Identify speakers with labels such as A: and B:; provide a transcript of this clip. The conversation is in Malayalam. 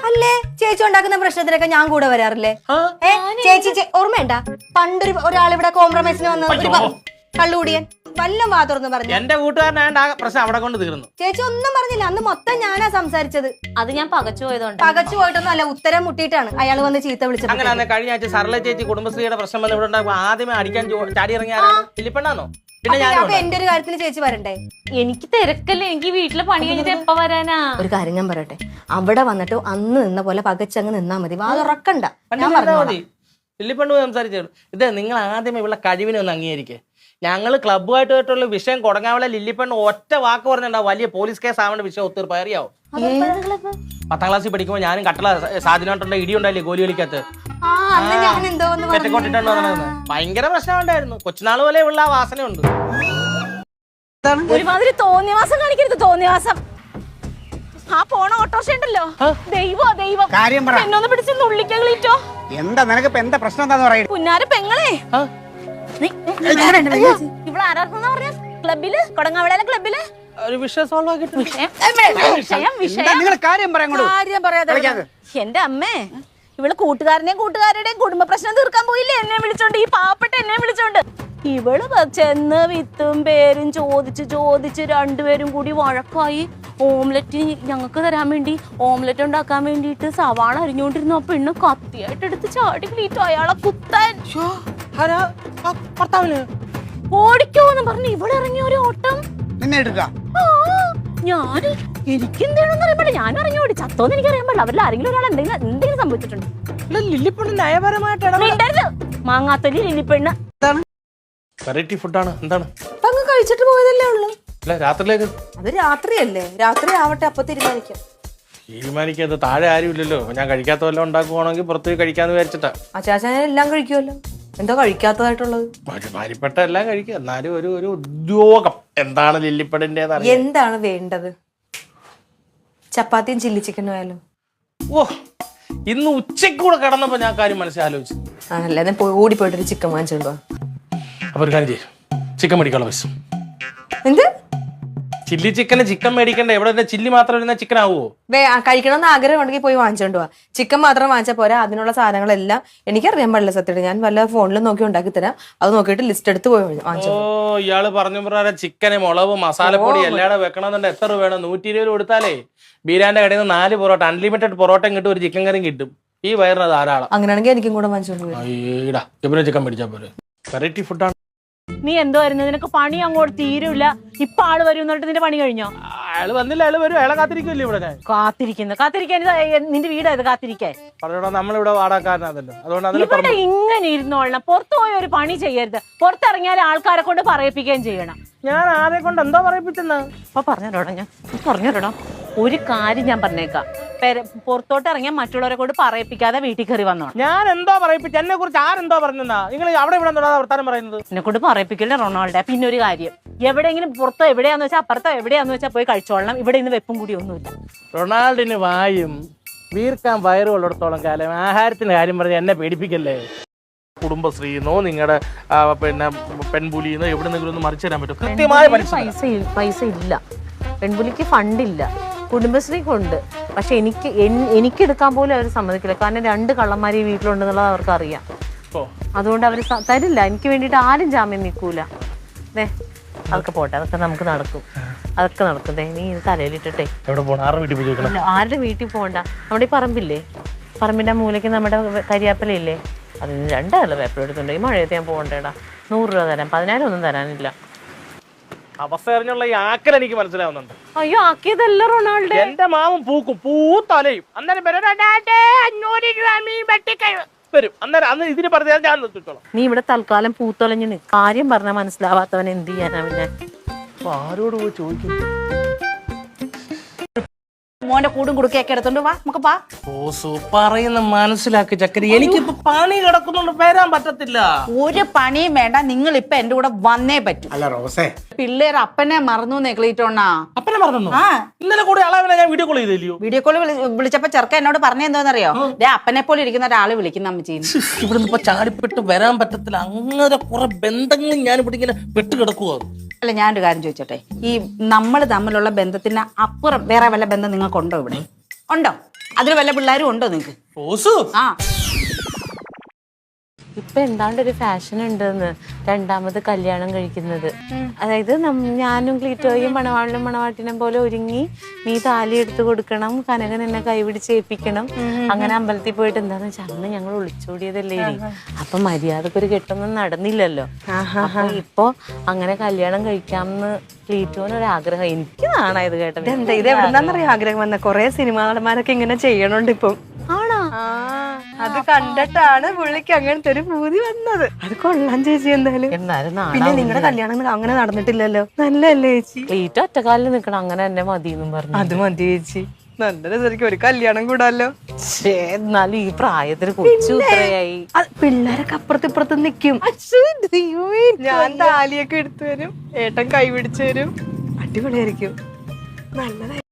A: അല്ലേ ചേച്ചി ഉണ്ടാക്കുന്ന പ്രശ്നത്തിലൊക്കെ ഞാൻ കൂടെ വരാറില്ലേ? ചേച്ചി ഓർമ്മയുണ്ട പണ്ടൊരു ഒരാളിവിടെ കോംപ്രമൈസിന് വന്ന ഒരു കള്ളുകൂടിയൻ വല്ലം വാ തുറന്ന് പറഞ്ഞു.
B: എന്റെ കൂട്ടുകാരനായ പ്രശ്നം അവിടെ കൊണ്ട് തീർന്നു.
A: ചേച്ചി ഒന്നും പറഞ്ഞില്ല, അന്ന് മൊത്തം ഞാനാ സംസാരിച്ചത്.
C: അത് ഞാൻ പകച്ചു പോയതുകൊണ്ട്.
A: പകച്ചു പോയിട്ടൊന്നും അല്ല, ഉത്തരം മുട്ടിയിട്ടാണ് അയാൾ വന്ന് ചീത്ത വിളിച്ചത്.
B: അങ്ങനെ കഴിഞ്ഞ ആഴ്ച സർല ചേച്ചി കുടുംബശ്രീയുടെ പ്രശ്നം വന്ന് ഇവിടെ ഉണ്ടാകുമ്പോൾ ആദ്യമേ അടിക്കാൻ ചാടി ഇറങ്ങിയാരാണ്? ലില്ലിപ്പെണ്ണാണോ? പിന്നെ ഞാൻ
A: എന്റെ ഒരു കാര്യത്തിൽ ചേച്ചി വരണ്ടേ?
C: എനിക്ക് തിരക്കല്ലേ, എനിക്ക് വീട്ടിലെ പണി കഴിഞ്ഞിട്ട് എപ്പ വരാനാ?
A: ഒരു കാര്യം ഞാൻ പറയട്ടെ, അവിടെ വന്നിട്ട് അന്ന് നിന്ന പോലെ പകച്ചങ്ങ് നിന്നാ മതി, വാ തുറക്കണ്ട.
B: മതി ലില്ലിപ്പെണ്ണു സംസാരിച്ചു. ഇത് നിങ്ങൾ ആദ്യമേ ഇവിടെ കഴിവിനെ ഒന്ന് അംഗീകരിക്കേ. ഞങ്ങൾ ക്ലബ്ബുമായിട്ടുള്ള വിഷയം കൊടങ്ങാവളെ ലില്ലിപ്പെണ്ണ് ഒറ്റ വാക്ക് പറഞ്ഞിട്ടുണ്ടാവും വലിയ പോലീസ് കേസ് ആവേണ്ട വിഷയം ഒത്തിരി അറിയാവോ? 10ാം ക്ലാസ്സിൽ പഠിക്കുമ്പോൾ ഞാനും കട്ടള സാധനമായിട്ടുള്ള ഇടി ഉണ്ടായില്ലേ ഗോലി കളിക്കകത്ത് തെറ്റക്കൊട്ടിട്ടാണ് പറഞ്ഞത്. ഭയങ്കര പ്രശ്നമുണ്ടായിരുന്നു. കൊച്ചുനാൾ പോലെ ഉള്ള ആ വാസനയുണ്ട്.
C: ഒരുമാതിരി തോന്നിയവാസം കാണിക്കരുത്, തോന്നിയവാസം. ആ പോണ ഓട്ടോറിക്ഷ ഉണ്ടല്ലോ, ദൈവം എന്നൊന്ന് പിടിച്ച് നുള്ളിക്കളീറ്റോ.
D: എന്താ നിനക്ക് എന്താ പ്രശ്നം എന്താന്ന് പറയുന്നത്?
C: പുന്നാര പെങ്ങളെ, ഇവിടെ ആരാർക്കെന്നാ പറഞ്ഞ ക്ലബില്, കൊടങ്ങാവിളയിലെ ക്ലബില്
B: ഒരു വിഷയം സോൾവ് ആക്കിയിട്ടുണ്ട്.
C: എന്റെ അമ്മേ, ഇവള് കൂട്ടുകാരുടെയും കുടുംബ പ്രശ്നം തീർക്കാൻ പോയില്ലേ എന്നെ വിളിച്ചോണ്ട്, ഈ പാവപ്പെട്ട എന്നെ വിളിച്ചോണ്ട്. ഇവള് ചെന്ന് വിത്തും പേരും ചോദിച്ച് രണ്ടുപേരും കൂടി വഴക്കായി. ഓംലെറ്റ് ഞങ്ങൾക്ക് തരാൻ വേണ്ടി, ഓംലെറ്റ് ഉണ്ടാക്കാൻ വേണ്ടിയിട്ട് സവാള അരിഞ്ഞുകൊണ്ടിരുന്നു. ആ പെണ്ണ് കത്തിയായിട്ട് എടുത്ത് ചാടി ക്ലീറ്റോ അയാളെ കുത്താൻ. ഓടിക്കോന്ന് പറഞ്ഞു ഇവിടെ ഇറങ്ങിയ ഒരു ഓട്ടം. ഞാന് എനിക്കെന്താണെന്ന് അറിയാൻ പാടില്ല, ഞാൻ ഇറങ്ങി ഓടി. ചത്തോന്ന് എനിക്കറിയാൻ പാടില്ല. അവരിൽ ആരെങ്കിലും ഒരാൾ എന്തെങ്കിലും സംഭവിച്ചിട്ടുണ്ട്.
B: ലില്ലിപ്പെണ്ണ് നയപരമായിട്ടാണ്
C: മാങ്ങാത്തൊലി ലില്ലിപ്പെണ്ണ്.
B: വെറൈറ്റി ഫുഡാണ്. എന്താണ്
A: അങ്ങ് കഴിച്ചിട്ട് പോയതല്ലേ ഉള്ളു?
B: രാത്രിയിലേക്ക്
A: അത് രാത്രിയല്ലേ, രാത്രി ആവട്ടെ, അപ്പൊ
B: തീരുമാനിക്കാത്ത താഴെ ആരും ഇല്ലല്ലോ. ഞാൻ കഴിക്കാത്ത വല്ലതും ഉണ്ടാക്കുവാണെങ്കിൽ പുറത്ത് പോയി കഴിക്കാന്ന് വിചാരിച്ചിട്ടാ.
A: അച്ചാച്ചൻ എല്ലാം കഴിക്കുമല്ലോ, എന്താ കഴിക്കാത്തതായിട്ടുള്ളത്?
B: ഒരുമാതിരിപ്പെട്ട എല്ലാം കഴിക്കുക. എന്നാലും ഒരു ഉദ്യോഗം എന്താണ് ലില്ലിപ്പടിന്റെ?
A: എന്താണ് വേണ്ടത്? ചപ്പാത്തിയും ചില്ലി ചിക്കനും ആയാലും.
B: ഓ, ഇന്ന് ഉച്ചക്കൂടെ കിടന്നപ്പോ ഞാൻ കാര്യം മനസ്സിലാലോചിച്ചു.
A: ആണല്ലേ, ഓടിപ്പോയിട്ടൊരു ചിക്കൻ വാങ്ങിച്ചോണ്ടോ.
B: അപ്പൊ ഒരു കാര്യം ചെയ്യും, ചിക്കൻ മേടിക്കാനുള്ള പൈസ.
A: എന്ത്
B: ചില്ലി ചിക്കന് ചിക്കൻ മേടിക്കണ്ടേ? എവിടെ ചില്ലി മാത്രം ഇരുന്ന ചിക്കൻ ആവുമോ?
A: കഴിക്കണമെന്ന് ആഗ്രഹം ഉണ്ടെങ്കിൽ പോയി വാങ്ങിച്ചോണ്ട് പോവാ. ചിക്കൻ മാത്രം വാങ്ങിച്ചാൽ പോരാ, അതിനുള്ള സാധനങ്ങളെല്ലാം എനിക്കറിയാൻ പാടില്ല സത്യമായിട്ട്. ഞാൻ വല്ല ഫോണിൽ നോക്കി ഉണ്ടാക്കി തരാം, അത് നോക്കിയിട്ട് ലിസ്റ്റ് എടുത്ത് പോയി വാങ്ങിച്ചോ.
B: ഓ, ഇയാള് പറഞ്ഞു പ്രകാരം ചിക്കന് മുളക് മസാലപ്പൊടി എല്ലാടെ വെക്കണമെന്നുണ്ട്. എത്ര വേണം? 120 കൊടുത്താലേ ബീരാന്റെ കടയിൽ നിന്ന് 4 പൊറോട്ട, അൺലിമിറ്റഡ് പൊറോട്ടയും കിട്ടും, ഒരു ചിക്കൻ കറിയും കിട്ടും. ഈ വയറിന് ധാരാളം. അങ്ങനെയാണെങ്കിൽ എനിക്കും കൂടെ വാങ്ങിച്ചോണ്ട് പോയി ചിക്കൻ മേടിച്ചാൽ പോലെ. വെറൈറ്റി ഫുഡാണ്.
C: നീ എന്തോ വരുന്നത്? നിനക്ക് പണി അങ്ങോട്ട് തീരൂല. ഇപ്പൊ ആള് വരും എന്നിട്ട് നിന്റെ പണി കഴിഞ്ഞോ?
B: അയാള് വന്നില്ല, അയാള് വരും. അയാളെ കാത്തിരിക്കുമല്ലേ ഇവിടെ? ഞാൻ
C: കാത്തിരിക്കാൻ നിന്റെ വീടായത് കാത്തിരിക്കാൻ?
B: പറഞ്ഞോടാ, നമ്മളിവിടെ വാടാക്കാരനാണല്ലോ, അതുകൊണ്ട്
C: ഇവിടെ ഇങ്ങനെ ഇരുന്നോളണം. പുറത്തു പോയി ഒരു പണി ചെയ്യരുത്. പുറത്തിറങ്ങിയാൽ ആൾക്കാരെ കൊണ്ട് പറയിപ്പിക്കുകയും ചെയ്യണം.
B: ഞാൻ ആരെ കൊണ്ട് എന്തോ പറയിപ്പിച്ചെന്ന്
C: അപ്പൊ പറഞ്ഞോടാ ഒരു കാര്യം ഞാൻ പറഞ്ഞേക്കാം. പുറത്തോട്ട് ഇറങ്ങിയാൽ മറ്റുള്ളവരെ കൊണ്ട് പറയിപ്പിക്കാതെ വീട്ടിൽ കയറി വന്നോ.
B: ഞാൻ എന്തോ പറയിപ്പിച്ചു? എന്നെ കുറിച്ച് ആരെന്തോ പറഞ്ഞാ? നിങ്ങൾ അവിടെ ഇവിടെ വർത്താനം പറയുന്നത്?
C: എന്നെ കൊണ്ട് പറയിപ്പിക്കില്ല റൊണാൾഡോ. പിന്നെ ഒരു കാര്യം, എവിടെയെങ്കിലും പുറത്തോ എവിടെയാന്ന് വെച്ചാൽ അപ്പുറത്തോ എവിടെയാന്ന് വെച്ചാൽ പോയി കഴിച്ചോളണം. ഇവിടെ ഇന്ന് വെപ്പും കൂടി ഒന്നുമില്ല.
B: റൊണാൾഡിന് വായും വീർക്കാൻ വയറുള്ളിടത്തോളം കാലം ആഹാരത്തിന്റെ കാര്യം പറഞ്ഞ് എന്നെ പേടിപ്പിക്കല്ലേ. കുടുംബശ്രീന്നോ നിങ്ങളുടെ പിന്നെ പെൺപുലിന്നോ എവിടെന്നെങ്കിലും ഒന്ന് മറിച്ചു തരാൻ പറ്റും? കൃത്യമായ
C: പൈസ ഇല്ല. പെൺപുലിക്ക് ഫണ്ടില്ല, കുടുംബശ്രീക്കുണ്ട്. പക്ഷെ എനിക്ക് എടുക്കാൻ പോലും അവർ സമ്മതിക്കില്ല. കാരണം 2 കള്ളന്മാർ ഈ വീട്ടിലുണ്ടെന്നുള്ളത് അവർക്ക് അറിയാം. അതുകൊണ്ട് അവർ തരില്ല. എനിക്ക് വേണ്ടിയിട്ട് ആരും ജാമ്യം നിൽക്കൂല. അതൊക്കെ പോട്ടെ, അതൊക്കെ നമുക്ക് നടക്കും. നീ തലയിലിട്ടെ ആരുടെ വീട്ടിൽ പോകണ്ട. നമ്മുടെ ഈ പറമ്പില്ലേ, പറമ്പിന്റെ മൂലയ്ക്ക് നമ്മുടെ കരിയാപ്പലയില്ലേ, അതിന് 2 ഇല പേപ്പർ എടുത്തുണ്ട്. ഈ മഴയത്ത് ഞാൻ പോകണ്ടേടാ. 100 രൂപ തരാം, 10,000 ഒന്നും തരാനില്ല.
B: അവസ്ഥ അറിഞ്ഞുള്ള ഈ ആക്കൽ എനിക്ക് മനസ്സിലാവുന്നുണ്ട്.
C: അയ്യോ, ആക്കിയതല്ല റൊണാൾഡോ.
B: എന്റെ മാമൻ പൂത്തലയും അന്നേരം വരും. അന്നേരം അന്ന് ഇതിന് പറഞ്ഞാൽ ഞാൻ നിർത്തിച്ചോളാം.
C: നീ ഇവിടെ തൽക്കാലം പൂത്തൊലഞ്ഞ് കാര്യം പറഞ്ഞാൽ മനസ്സിലാവാത്തവൻ എന്ത് ചെയ്യാനാ? പിന്നെ
B: ആരോട് പോയി ചോദിക്കും?
A: മോന്റെ കൂടും കുടുക്കൊക്കെ എടുത്തോണ്ട് വാ, നമുക്ക് പാ.
B: പറയുന്ന മനസ്സിലാക്കി ചക്കരി. എനിക്കിപ്പോ പണി കിടക്കുന്നുണ്ട്, വരാൻ പറ്റത്തില്ല.
A: ഒരു പണിയും വേണ്ട, നിങ്ങൾ ഇപ്പൊ എന്റെ കൂടെ വന്നേ പറ്റും.
D: അല്ല റോസേ,
A: പിള്ളേർ അപ്പനെ മറന്നു നെക്ലീറ്റോണ്ണാ.
B: അപ്പനെ മറന്നു? ഇന്നലെ കൂടെ അളവിനെ ഞാൻ വീഡിയോ കോൾ ചെയ്തില്ലയോ?
A: വീഡിയോ കോൾ വിളിച്ചപ്പോ ചെറുക്ക എന്നോട് പറഞ്ഞെന്തോന്നറിയോ? അപ്പനെ പോലെ ഇരിക്കുന്ന ഒരാള് വിളിക്കുന്ന അമ്മച്ചീ.
B: ഇവിടുന്ന് ഇപ്പൊ ചാടിപ്പെട്ട് വരാൻ പറ്റത്തില്ല. അങ്ങനെ കുറെ ബന്ധങ്ങൾ ഞാൻ ഇവിടെ ഇങ്ങനെ പെട്ടുകിടക്കുവോ?
A: അല്ല, ഞാനൊരു കാര്യം ചോദിച്ചോട്ടെ, ഈ നമ്മൾ തമ്മിലുള്ള ബന്ധത്തിന് അപ്പുറം വേറെ വല്ല ബന്ധം നിങ്ങൾക്കുണ്ടോ? ഇവിടെ ഉണ്ടോ?
E: അതിൽ വല്ല പിള്ളേരും ഉണ്ടോ നിങ്ങക്ക്?
B: റോസു
E: ആ
C: ഇപ്പൊ എന്താണ്ട് ഒരു ഫാഷൻ ഉണ്ടെന്ന് രണ്ടാമത് കല്യാണം കഴിക്കുന്നത്. അതായത് ഞാനും ക്ലീറ്റോയും മണവാളിനും മണവാട്ടിനും പോലെ ഒരുങ്ങി നീ താലി എടുത്ത് കൊടുക്കണം, കനകൻ എന്നെ കൈപിടിച്ച് ഏൽപ്പിക്കണം. അങ്ങനെ അമ്പലത്തിൽ പോയിട്ട് എന്താന്ന് വെച്ചാൽ അന്ന് ഞങ്ങൾ ഒളിച്ചോടിയതല്ലേ ഇനി. അപ്പൊ മര്യാദക്കൊരു കെട്ടൊന്നും നടന്നില്ലല്ലോ. അപ്പൊ ഇപ്പൊ അങ്ങനെ കല്യാണം കഴിക്കാമെന്ന് ക്ലീറ്റോനൊരാഗ്രഹം. എനിക്ക് നാണായത് കേട്ടത്.
A: എന്താ ഇത് എവിടെന്നാന്നറിയോ ആഗ്രഹം വന്ന? കൊറേ സിനിമാ നടന്മാരൊക്കെ ഇങ്ങനെ ചെയ്യണുണ്ട് ഇപ്പം.
C: ആണോ?
A: അത് കണ്ടിട്ടാണ് പുള്ളിക്ക് അങ്ങനത്തെ ഒരു പൂതി വന്നത്. അത് കൊള്ളാൻ ചേച്ചി എന്തായാലും.
C: എന്നാലും
A: പിന്നെ നിങ്ങളുടെ കല്യാണം അങ്ങനെ നടന്നിട്ടില്ലല്ലോ. നല്ലല്ലേ ചേച്ചി?
C: ക്ലീറ്റോ ഒറ്റക്കാലിൽ നിക്കണം, അങ്ങനെ എന്നെ മതി എന്നും പറഞ്ഞു.
A: അത് മതി ചേച്ചി, നല്ല രസമായിരിക്കും ഒരു കല്യാണം കൂടാല്ലോ.
C: എന്നാലും ഈ പ്രായത്തിന് കൊച്ചു ഇത്രയായി.
A: പിള്ളേരൊക്കെ അപ്പുറത്ത് ഇപ്പുറത്ത് നിക്കും. ഞാൻ താലിയൊക്കെ എടുത്തു വരും, ഏട്ടൻ കൈ പിടിച്ചു തരും. അടിപൊളിയായിരിക്കും. നല്ലതായി.